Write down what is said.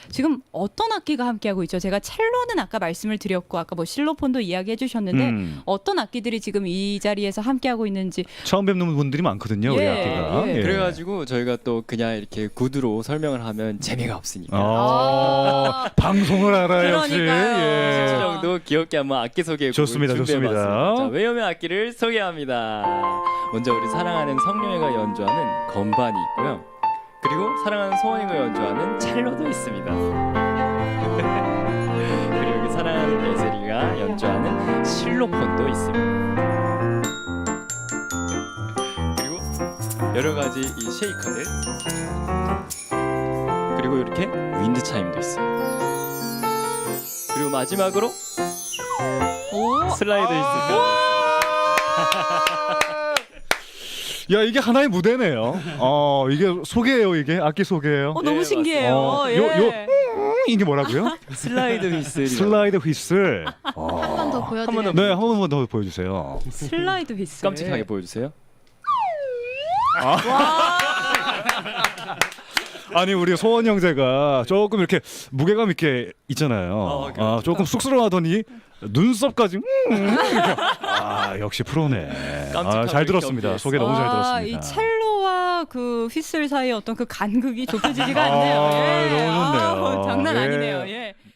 지금 어떤 악기가 함께하고 있죠? 제가 첼로는 아까 말씀을 드렸고 아까 뭐 실로폰도 이야기해 주셨는데 어떤 악기들이 지금 이 자리에서 함께하고 있는지 처음 뵙는 분들이 많거든요. 우리 악기가. 예. 그래가지고 저희가 또 그냥 이렇게 구두로 설명을 하면 재미가 없으니까 방송을 알아요 역시. 그러니까요. 10초 정도 귀엽게 한번 악기 소개곡을 좋습니다, 준비해봤습니다. 좋습니다. 자, 외염의 악기를 소개합니다. 먼저 우리 사랑하는 성룡이가 연주하는 건반이 있고요. 그리고 사랑하는 소원이가 연주하는 첼로도 있습니다. 그리고 여기 사랑하는 예슬이가 연주하는 실로폰도 있습니다. 그리고 여러 가지 이 쉐이커들, 그리고 이렇게 윈드 차임도 있어요. 그리고 마지막으로 슬라이드 있습니다. 야 이게 하나의 무대네요. 이게 소개예요 이게 악기 소개예요. 너무 예, 신기해요. 예. 이게 뭐라고요? 슬라이드 휘슬. 슬라이드 휘슬. 한 번 더 보여드려요. 네, 한 번만 더 보여주세요. 슬라이드 휘슬. 깜찍하게 보여주세요. 아니 우리 소원 형제가 조금 이렇게 무게감 있게 있잖아요. 조금 쑥스러워하더니 눈썹까지. 역시 프로네. 잘 들었습니다. 소개 너무 잘 들었습니다. 이 첼로와 그 휘슬 사이의 어떤 그 간극이 좁혀지지가 않네요. 너무 좋네요. 장난 예. 아니네요. 예.